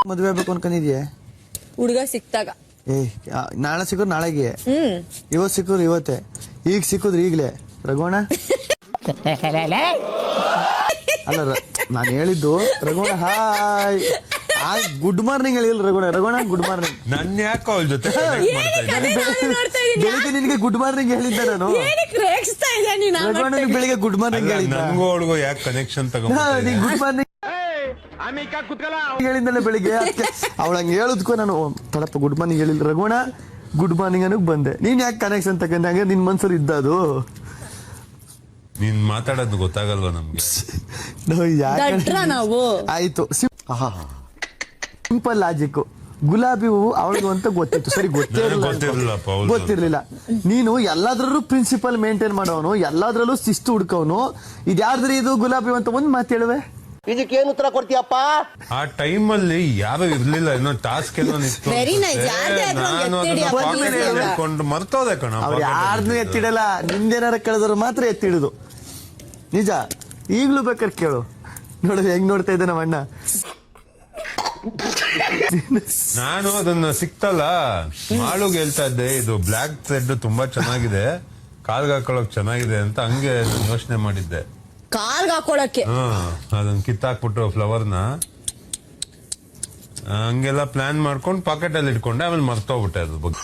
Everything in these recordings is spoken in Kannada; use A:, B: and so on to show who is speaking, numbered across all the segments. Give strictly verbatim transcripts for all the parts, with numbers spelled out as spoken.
A: ಮದುವೆ ಆಗ್ಬೇಕು ಅನ್ಕೊಂಡಿದ್ಯಾ?
B: ಹುಡುಗ ಸಿಕ್ತಾಗ.
A: ಏ ನಾಳೆ ಸಿಕ್ಕುದ್ ನಾಳೆಗೆ,
B: ಹ್ಮ್
A: ಇವತ್ ಸಿಕ್ಕುದ್ರು ಇವತ್ತೇ, ಈಗ ಸಿಕ್ಕುದ್ರು ಈಗ್ಲೇ. ರಘುವಣ ಅಲ್ಲ, ನಾನು ಹೇಳಿದ್ದು ರಘುವಣ ಹಾಯ್ ಗುಡ್ ಮಾರ್ನಿಂಗ್ ಹೇಳಿಲ್ಲ ರಘುವಣ. ರಘುವಣ ಗುಡ್ ಮಾರ್ನಿಂಗ್.
C: ನನ್ ಯಾಕೋ ಅವಳ ಜೊತೆ
A: ಬೆಳಿಗ್ಗೆ ನಿನಗೆ ಗುಡ್ ಮಾರ್ನಿಂಗ್ ಹೇಳಿದ್ದೆ ನಾನು. ರಘುವಣ ಬೆಳಿಗ್ಗೆ ಗುಡ್ ಮಾರ್ನಿಂಗ್ ಹೇಳಿದ್ದ.
C: ನನ್ಗೂ ಅವಳಿಗೂ ಯಾಕೆ ಕನೆಕ್ಷನ್ ತಗೊಂಡ್
A: ಗುಡ್ ಮಾರ್ನಿಂಗ್ ಹೇಳಿದ್ದಲ್ಲ ಬೆಳಿಗ್ಗೆ. ಅವಳ ಹಂಗೆ ಹೇಳುದ್ಕೋ ನಾನು ತಡಪ್ಪ ಗುಡ್ ಮಾರ್ನಿಂಗ್ ಹೇಳಿಲ್ಲ ರಘುವಣ ಗುಡ್ ಮಾರ್ನಿಂಗ್ ಅನ್ನಕ್ ಬಂದೆ. ನೀನ್ ಯಾಕೆ ಕನೆಕ್ಷನ್ ತಗೊಂಡೆ? ಹಂಗೆ ನಿನ್ ಮನ್ಸಲ್ಲಿ ಇದ್ದ ಅದು.
C: ನೀನ್ ಮಾತಾಡೋದು ಗೊತ್ತಾಗಲ್ವಾ ನಮ್ಗೆ?
B: ನಾವು
A: ಆಯ್ತು, ಸಿಂಪಲ್ ಲಾಜಿಕ್. ಗುಲಾಬಿ ಹೂವು ಅವಳಿಗೂ ಅಂತ ಗೊತ್ತಿತ್ತು, ಸರಿ ಗೊತ್ತಿರಲಿಲ್ಲ ಗೊತ್ತಿರ್ಲಿಲ್ಲ. ನೀನು ಎಲ್ಲಾದ್ರಲ್ಲೂ ಪ್ರಿನ್ಸಿಪಲ್ ಮೇಂಟೈನ್ ಮಾಡೋನು, ಎಲ್ಲಾದ್ರಲ್ಲೂ ಶಿಸ್ತು ಹುಡ್ಕೋನು. ಇದ್ಯಾರ್ದ್ರಿ ಇದು ಗುಲಾಬಿ ಅಂತ ಒಂದ್ ಮಾತು ಹೇಳುವೆ.
D: ಇದಕ್ಕೆ ಏನು ಉತ್ತರ ಕೊಡ್ತೀಯಪ್ಪ?
C: ಆ ಟೈಮ್ ಅಲ್ಲಿ ಯಾರು ಇರ್ಲಿಲ್ಲ, ಏನೋ ಟಾಸ್ಕ್ ಏನೋ ನಿಂತು ನಾನು ಮರ್ತೋದೆ ಕಣ.
A: ಅವ್ರು ಯಾರನ್ನೂ ಎತ್ತಿಡಲ್ಲ, ನಿಂದೇನಾರ ಕಳೆದ್ರು ಮಾತ್ರ ಎತ್ತಿಡುದು ನಿಜ. ಈಗ್ಲೂ ಬೇಕಾದ್ರೆ ಕೇಳು, ನೋಡ ಹೆಂಗ್ ನೋಡ್ತಾ ಇದ್ದೆ ನಮ್ಮ ಅಣ್ಣ.
C: ನಾನು ಅದನ್ನ ಸಿಕ್ತಲ್ಲ ಮಾಳುಗ್ ಹೇಳ್ತಾ ಇದ್ದೆ, ಇದು ಬ್ಲಾಕ್ ಥ್ರೆಡ್ ತುಂಬಾ ಚೆನ್ನಾಗಿದೆ, ಕಾಲ್ಗೆ ಹಾಕೊಳಕ್ ಚೆನ್ನಾಗಿದೆ ಅಂತ. ಹಂಗೆ ಯೋಚನೆ ಮಾಡಿದ್ದೆ
B: ಕಾಲ್ಗೆ ಹಾಕೊಳಕ್ಕೆ.
C: ಹಾ, ಅದನ್ನ ಕಿತ್ತಾಕ್ಬಿಟ್ಟು ಫ್ಲವರ್ನ ಹಂಗೆಲ್ಲ ಪ್ಲಾನ್ ಮಾಡ್ಕೊಂಡು ಪಾಕೆಟ್ ಅಲ್ಲಿ ಇಟ್ಕೊಂಡೆ. ಆಮೇಲೆ ಮರ್ತೋಗ್ಬಿಟ್ಟೆ ಅದ್ರ ಬಗ್ಗೆ.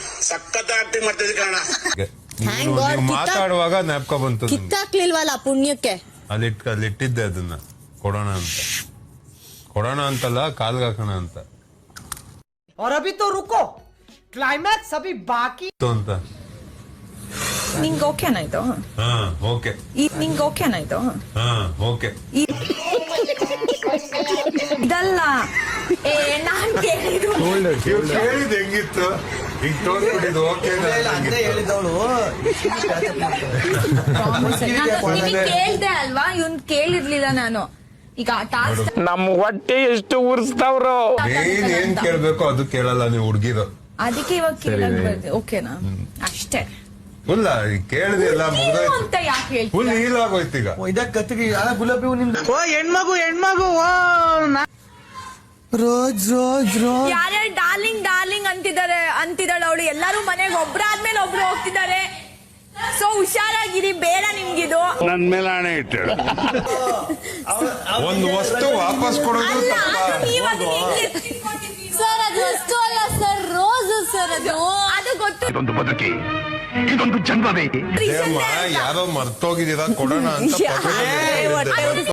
C: ನೀವು ಮಾತಾಡುವಾಗ ಜ್ಞಾಪಕ ಬಂತು.
B: ಕಿತ್ತಾಕ್ಲಿಲ್ವಲ್ಲ ಪುಣ್ಯಕ್ಕೆ.
C: ಅಲ್ಲಿ ಇಟ್ ಅಲ್ಲಿ ಇಟ್ಟಿದ್ದೆ ಅದನ್ನ ಕೊಡೋಣ ಅಂತ. ಕೊಡೋಣ ಅಂತಲ್ಲ, ಕಾಲ್ಗೆ ಹಾಕೋಣ ಅಂತ.
E: और अभी तो रुको, क्लाइमैक्स अभी बाकी
C: ಅಂತ
F: ನಿಂಗೆ ಓಕೆನಾ ಇದು?
C: ಹಾ ಓಕೆ.
F: ನಿಂಗೆ ಓಕೆನಾ ಇದು?
C: ಹಾ ಓಕೆ.
F: ಇದಲ್ಲ, ಏ ನಾನ್ ಕೇಳಿದ್ದು
C: ಕೇಳಿದ್ ಹೆಂಗಿತ್ತು? ಈಗ ತೋರ್ಸ್ಬಿಟ್ಟಿದ್ದು ಓಕೆ
F: ಕೇಳ್ದೆ ಅಲ್ವಾ, ಇವ್ನ್ ಕೇಳಿರ್ಲಿಲ್ಲ ನಾನು. ಈಗ ಟಾಸ್ಕ್
D: ನಮ್ಮ ಹೊಟ್ಟೆ ಎಷ್ಟು ಉರ್ಸ್ತಾವ್ರು.
C: ಏನ್ ಏನ್ ಕೇಳ್ಬೇಕು ಅದು ಕೇಳಲ್ಲ ನೀವು ಹುಡ್ಗಿರು.
F: ಅದಕ್ಕೆ ಇವಾಗ ಕೇಳಕ್ ಬರ್ದೆ. ಓಕೆನಾ? ಅಷ್ಟೇ.
C: ಫುಲ್ ಕೇಳಿದೆ ಎಲ್ಲ ಮುಗ್ದೋಯ್ತು
F: ಅಂತ ಯಾಕೆ ಹೇಳ್ತೀಯ?
C: ಫುಲ್ ಹೀಲ್ ಆಗೋಯ್ತು ಈಗ.
A: ಇದಕ್ಕೆ ಕತ್ತಿಗೆ ಗುಲಾಬಿ ಹೂ ನಿಮ್ದು.
E: ಓ ಹೆಣ್ಮಗು ಹೆಣ್ಮಗು
A: ರೋಜ್ ರೋಜ್ ರೋಜ್
B: ಯಾರ್ಯಾರು ಡಾರ್ಲಿಂಗ್ ಡಾರ್ಲಿಂಗ್ ಅಂತಿದ್ದಾರೆ ಅಂತಿದ್ದಾಳೆ ಅವಳು. ಎಲ್ಲರೂ ಮನೆಗೆ ಒಬ್ರಾದ್ಮೇಲೆ ಒಬ್ರು ಹೋಗ್ತಿದ್ದಾರೆ. ಸೊ ಹುಷಾರಾಗಿರಿ, ಬೇಡ ನಿಮ್ಗಿದು.
D: ನನ್ ಮೇಲೆ ಹಣೆ ಇಟ್ಟು
C: ಒಂದು ವಸ್ತು ವಾಪಸ್ ಕೊಡೋದು
B: ಸರ್ ಅದು ವಸ್ತು ಅಲ್ಲ ಸರ್, ರೋಸ್ ಸರ್. ಅದು ಅದು ಗೊತ್ತು.
D: ಇದೊಂದು ಬದುಕಿ, ಇದೊಂದು ಜನ್ಮವೇ.
C: ಯಾರೋ ಮರ್ತೋಗಿದ್ದೀರಾ, ಕೊಡೋಣ ಅಂತ.